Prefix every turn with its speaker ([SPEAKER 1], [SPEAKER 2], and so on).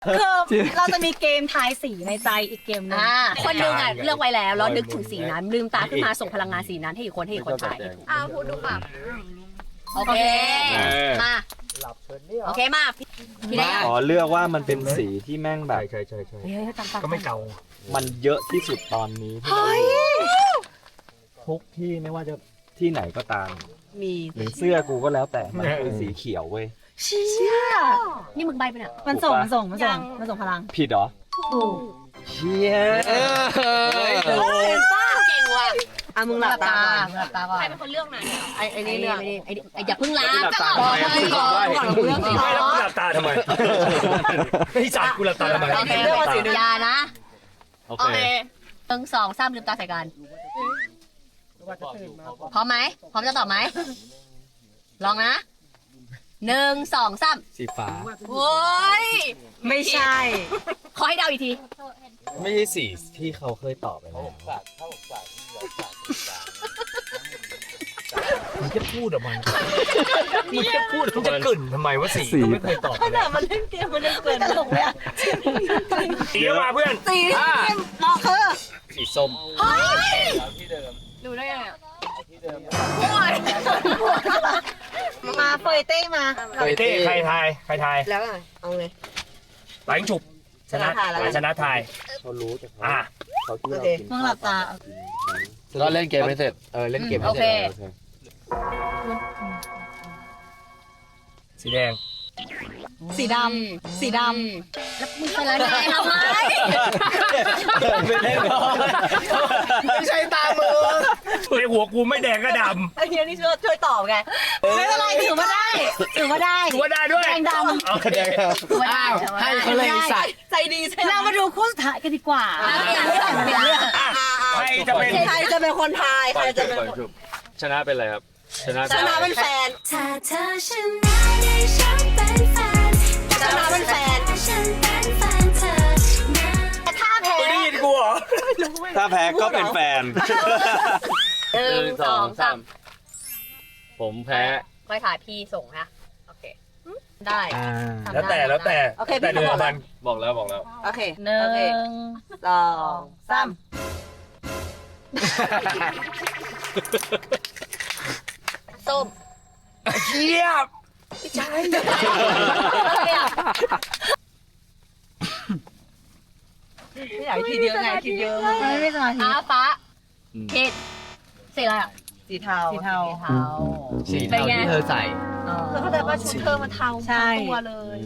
[SPEAKER 1] คือเราจะมีเกมทายสีในใจอีกเกมหนึง
[SPEAKER 2] คนหนึงอ่ะเลือกไว้แล้วแล้วนึกถึงสีนั้นลืมตาขึ้นมาส่งพลังงานสีนั้นให้อีกคนทาย
[SPEAKER 3] พูดดูค่ะ
[SPEAKER 2] โอเคมาโอเคมาพี่ได้
[SPEAKER 4] อ๋อเลือกว่ามันเป็นสีที่แม่งแบบ
[SPEAKER 5] ใช่
[SPEAKER 4] ก็ไม่เก่ามันเยอะที่สุดตอนนี้ที่เราทุกที่ไม่ว่าจะที่ไหนก็ตาม
[SPEAKER 2] มี
[SPEAKER 4] หรือเสื้อกูก็แล้วแต่มันคือสีเขียวเว้ย
[SPEAKER 1] เชี่ย
[SPEAKER 2] นี่มึงใบไปเนี่ย
[SPEAKER 1] มันส่งพลัง
[SPEAKER 4] ผิดเหรอ
[SPEAKER 1] ถูก
[SPEAKER 4] เชี่ย
[SPEAKER 2] ป้าเก่งว่ะ
[SPEAKER 1] มึงหลับตา
[SPEAKER 3] ใครเป็นคนเลือกไหน
[SPEAKER 2] ไอ้นี่เรื่องไอ้อย่าเพิ่งล้าง
[SPEAKER 5] ไม่แล้วกูหลับตาทำไมไอ้สัตว์กูหลับตาทำไม
[SPEAKER 2] โอเคเรื่องสียานะ
[SPEAKER 4] โอ
[SPEAKER 3] โอ
[SPEAKER 4] เค
[SPEAKER 3] เค
[SPEAKER 2] 1 2 3ลืมตาใส่กันพร้อมไหมพร้อมจะตอบไหมลองนะ1 2 3
[SPEAKER 4] สีฟ้า
[SPEAKER 2] โอ้ย
[SPEAKER 1] ไม่ใช่
[SPEAKER 2] ขอให้เดาอีกที
[SPEAKER 4] ไม่ใช่สีที่เขาเคยตอบไปแล้ว
[SPEAKER 5] มึงจะพูดออกมามึงจะพูดมึงจะกลิ่นทำไมว่าสีก็ไม่เคยตอบ
[SPEAKER 1] ขนาดมันเล่นเกมมันยังเกินตลกเลยอะ
[SPEAKER 5] สีมาเพื่อน
[SPEAKER 1] สีเหมาะคือ
[SPEAKER 4] สีส้ม
[SPEAKER 3] ดูได้ไงอะ
[SPEAKER 1] มาเฟยเต้มา
[SPEAKER 5] เต้ใครทาย
[SPEAKER 1] แล้วไงเอาเลย
[SPEAKER 5] หลังฉุบชนะทาย
[SPEAKER 4] เขารู้แต่เขา
[SPEAKER 5] อ่ะ
[SPEAKER 4] เขาคิดว่าเรากิน
[SPEAKER 1] มึงหลับตา
[SPEAKER 4] ก็เล่นเกมไม่เสร็จเล่นเกมไม่
[SPEAKER 2] โอ
[SPEAKER 4] เส
[SPEAKER 2] เค
[SPEAKER 4] ร็จ
[SPEAKER 5] สีแดง
[SPEAKER 1] สีดำสีด
[SPEAKER 2] แล้วมึงเป็นอะไรทำไม
[SPEAKER 4] ไม่ได้หรอกไม่ใช่ตามือ
[SPEAKER 5] ในหัวกูไม่แดงก็ด
[SPEAKER 1] ำไอ้เฮียนี่ช่วยตอบไงไม่เป็นไรถือว่าได้
[SPEAKER 5] ำถือว่าได้ด้วย
[SPEAKER 1] แดงดำ
[SPEAKER 5] โอเค
[SPEAKER 2] อ้าวให้
[SPEAKER 4] เขาเลยใส่
[SPEAKER 1] ใจดีใช่ไหมเรามาดูคู่สุดท้ายกันดีกว่า
[SPEAKER 5] ใครจะเป็น
[SPEAKER 1] ใครจะเป็นคนทายใครจะเป็นคน
[SPEAKER 4] ชนะเป็นอะไรครับ ชนะ
[SPEAKER 1] ชนะเป็นแฟน
[SPEAKER 6] ถ้าเธอชนะได้ฉันเป็นแฟน
[SPEAKER 1] ชนะเป็นแฟน
[SPEAKER 6] ฉันเป็นแฟนเธอนะ
[SPEAKER 1] ถ้าแพ้
[SPEAKER 5] ไม่ได้ยินกูเหรอ
[SPEAKER 4] ถ้าแพ้ก็เป็นแฟน
[SPEAKER 2] 1 2 3
[SPEAKER 4] ผมแพ้
[SPEAKER 2] ค่อยถ่ายพี่ส่งนะโอเคได้
[SPEAKER 5] แล้วแต่แต่เดือนมัน
[SPEAKER 4] บอกแล้ว
[SPEAKER 1] โอเค1 2 3
[SPEAKER 2] ส้ม
[SPEAKER 5] เชียบ
[SPEAKER 1] ไม่อยากทีเดียวไงทีเดียวไม่สมาธิ
[SPEAKER 2] ฟ้าผิดสีอะไรอ่ะ
[SPEAKER 1] สีเทาสีเทา
[SPEAKER 2] เทา
[SPEAKER 4] สีเทาที่เธอใส่
[SPEAKER 1] คือเข้าใจว่าชุดเธอมันเทาทั้งตัวเลย